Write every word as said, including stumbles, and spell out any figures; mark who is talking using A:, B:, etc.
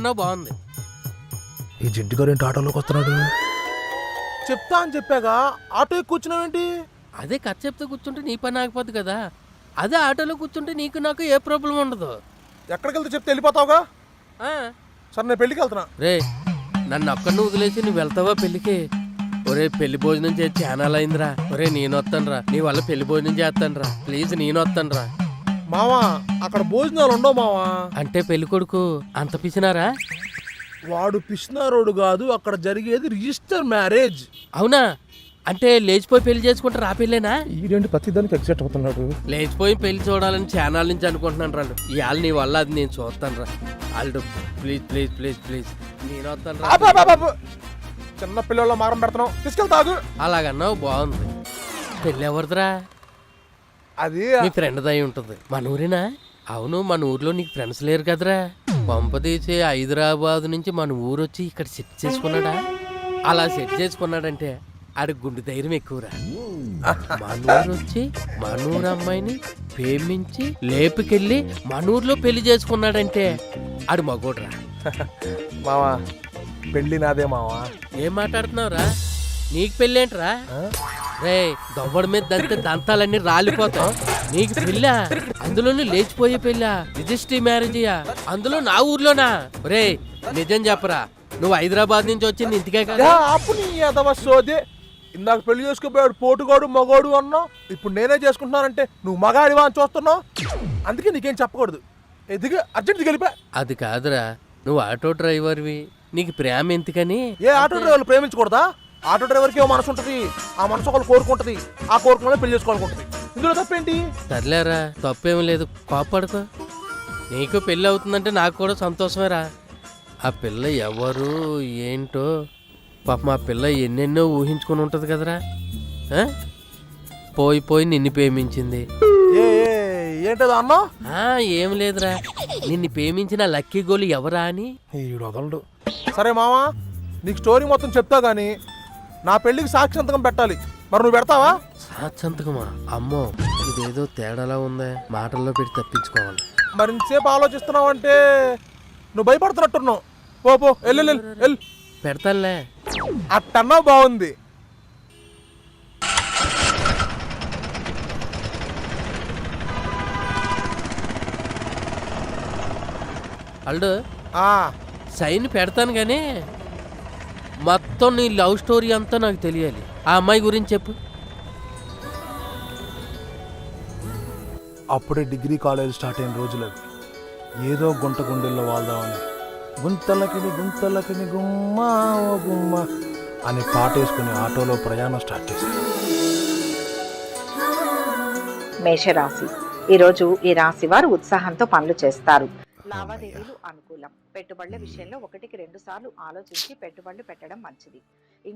A: అన్నావు బాగుంది.
B: ఈ జిడ్డు గారు ఏంటి ఆటోలోకి వస్తున్నాడు?
C: చెప్తా అని చెప్పాగా ఆటో కూర్చున్నావేంటి?
A: అదే కథ చెప్తే కూర్చుంటే నీ పని ఆగిపోద్ది కదా. అదే ఆటోలో కూర్చుంటే నీకు నాకు ఏ ప్రాబ్లం ఉండదు.
C: ఎక్కడికి వెళ్తే చెప్తే వెళ్ళిపోతావుగా. సరే నేను పెళ్ళికి వెళ్తున్నా.
A: రే నన్ను అక్కడిని వదిలేసి నువ్వు వెళ్తావా పెళ్ళికి? ఒరే పెళ్లి భోజనం చేసి ఛానల్ అయిందిరా. ఒరే నేను వస్తాను రా, నీ వల్ల పెళ్లి భోజనం చేస్తాను రా, ప్లీజ్ నేను వస్తాను రా.
C: మావా అక్కడ భోజనాలు ఉండవు మావా.
A: అంటే పెళ్లి కొడుకు అంత పిసినారా?
C: వాడు పిసినారోడు కాదు, అక్కడ జరిగేది రిజిస్టర్ మ్యారేజ్.
A: అవునా? అంటే లేచిపోయి పెళ్లి చేసుకుంటారు ఆ పెళ్ళేనా?
C: ఈడేంటి ప్రతిదానికి ఎగ్జైట్ అవుతున్నాడు.
A: లేచిపోయి పెళ్లి చూడాలని ఛానల్ నుంచి అనుకుంటున్నాను రాళ్ళు. ఇవాళ నీ వల్ల అది నేను చూస్తాను రా. వాళ్ళు ప్లీజ్ ప్లీజ్ ప్లీజ్ ప్లీజ్ నేను వస్తాను రా.
C: చిన్న పిల్లల మారం పెడతాను, తీసుకెళ్తాగు.
A: అలాగన్నావు బాగుంది. పెళ్ళి ఎవరిదిరా?
C: అది
A: మీ ఫ్రెండ్ దయ ఉంటుంది. మన ఊరేనా? అవును, మన ఊర్లో నీకు ఫ్రెండ్స్ లేరు కదరా. పంప తీసి హైదరాబాద్ నుంచి మన ఊరు వచ్చి ఇక్కడ సెట్ చేసుకున్నాడా? అలా సెట్ చేసుకున్నాడంటే ఆడి గుండె ధైర్యం ఎక్కువరా. మన ఊరు వచ్చి మన ఊరు అమ్మాయిని ప్రేమించి లేపుకెళ్ళి మన ఊర్లో పెళ్లి చేసుకున్నాడంటే ఆడు మగోడ్రా.
C: మావా పెళ్లి నాదే మావా.
A: ఏం మాట్లాడుతున్నావురా? నీకు పెళ్ళేంట్రా? రే దవ్వడి మీద దంతే దంతాలన్నీ రాలిపోతాం. నీకు పెళ్ళా? అందులోనూ లేచిపోయే పెళ్ళా? రిజిస్ట్రీ మ్యారేజ్యా? అందులో నా ఊర్లోనా? రే నిజం చెప్పరా, నువ్వు హైదరాబాద్ నుంచి వచ్చింది ఇంటికే కదా?
C: సోదే ఇందాక పెళ్లి చేసుకోపోయాడు పోటుగాడు మగోడు అన్నావు, ఇప్పుడు నేనే చేసుకుంటున్నానంటే నువ్వు మగాడివా అని చూస్తున్నావు. అందుకే నీకేం చెప్పకూడదు. ఎదిగి అర్జెంట్ గెలిపా.
A: అది కాదురా, నువ్వు ఆటో డ్రైవర్వి, నీకు ప్రేమ ఎందుకని?
C: ఏ ఆటో డ్రైవర్లు ప్రేమించకూడదా? ఆటో డ్రైవర్కి ఓ మనసు ఉంటుంది, ఆ మనసు ఒకళ్ళు కోరుకుంటది, ఆ కోరుకునే పెళ్లి చేసుకోవాలనుకుంటుంది. ఇందులో తప్పేంటి?
A: సర్లేరా, తప్పేం లేదు, కోపడుకో. నీకు పెళ్ళి అవుతుందంటే నాకు కూడా సంతోషమేరా. ఆ పిల్ల ఎవరు ఏంటో పాపం ఆ పిల్ల ఎన్నెన్నో ఊహించుకొని ఉంటుంది కదరా. పోయి పోయి నిన్ను ప్రేమించింది.
C: ఏంటో అన్నా?
A: ఏం లేదురా, నిన్ను ప్రేమించిన లక్కీ గోలు ఎవరా అని.
C: వదలడు. సరే మావా, నీకు స్టోరీ మొత్తం చెప్తా గానీ నా పెళ్లికి సాక్షి సంతకం పెట్టాలి. మరి నువ్వు పెడతావా?
A: సాక్షి సంతకమా? అమ్మో ఇదేదో తేడాలా ఉందే, మాటల్లో పెట్టి తప్పించుకోవాలి.
C: మరి ఇంతసేపు ఆలోచిస్తున్నావు అంటే నువ్వు భయపడుతున్నట్టున్నావు. పో పో వెళ్ళు.
A: పెడతానులే.
C: అట్టన్నా బాగుంది.
A: అల్డు సైన్ పెడతాను కానీ మొత్తం నీ లవ్ స్టోరీ అంతా నాకు తెలియాలి. ఆ అమ్మాయి గురించి చెప్పు.
C: అప్పుడే డిగ్రీ కాలేజ్ స్టార్ట్ అయిన రోజులు అవి. ఏదో గుంట గుండెల్లో వాళ్దామని గుంతలకిని గుంతలకిని గుమ్మా ఓ గుమ్మ అని పాటేసుకుని ఆటోలో ప్రయాణం స్టార్ట్ చేశారు.
D: మేషరాశి. ఈరోజు ఈ రాశి వారు ఉత్సాహంతో పనులు చేస్తారు. లావాదేవీలు అనుకూలం. పెట్టుబడుల విషయంలో ఒకటికి రెండు సార్లు ఆలోచించి పెట్టుబడులు పెట్టడం మంచిది.